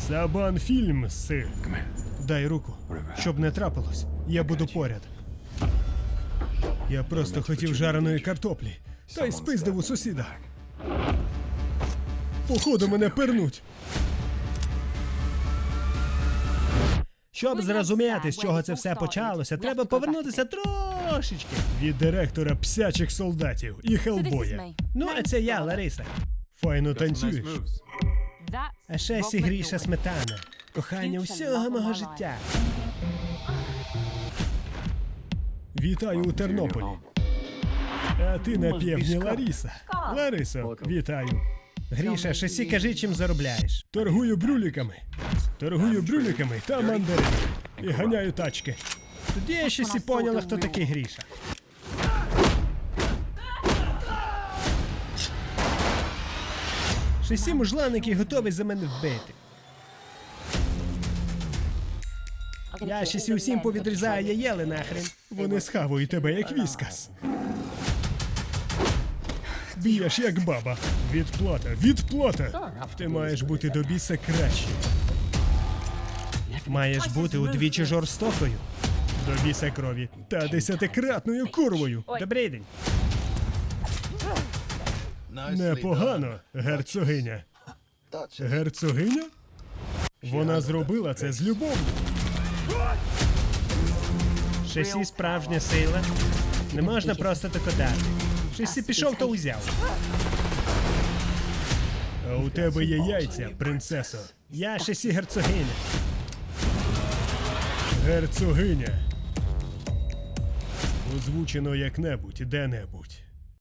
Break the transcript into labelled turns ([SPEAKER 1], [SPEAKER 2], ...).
[SPEAKER 1] Сабан фільм, сир. Дай руку. Щоб не трапилось, я буду поряд. Я просто хотів жареної картоплі. Та й спиздив у сусіда. Походу мене пернуть. Щоб зрозуміти, з чого це все почалося, треба повернутися трошечки від директора псячих солдатів і Хеллбоя. Ну, а це я, Лариса. Файно танцюєш. А ще сігріша сметана. Кохання всього мого життя. Вітаю у Тернополі. А ти на півдні Лариса. Ларисо, вітаю. Гріша, шесі кажи, чим заробляєш. Торгую брюліками. Торгую брюліками та мандаринами. І ганяю тачки. Тоді я щось і поняла, хто такий Гріша. Шесі мужланики готові за мене вбити. Я щось і усім повідрізаю яєли нахрен. Вони схавують тебе як віскас. Б'єш як баба. Відплата, відплата! Ти маєш бути до біса краще. Маєш бути удвічі жорстокою. До біса крові. Та 10-кратною курвою. Добрий день. Непогано, герцогиня. Герцогиня? Вона зробила це з любов'ю. Шесі справжня сила. Не можна просто тако дати. Шесі пішов, то узяв. А у тебе є яйця, принцесо. Я Шесі герцогиня. Герцогиня. Озвучено як-небудь, де-небудь.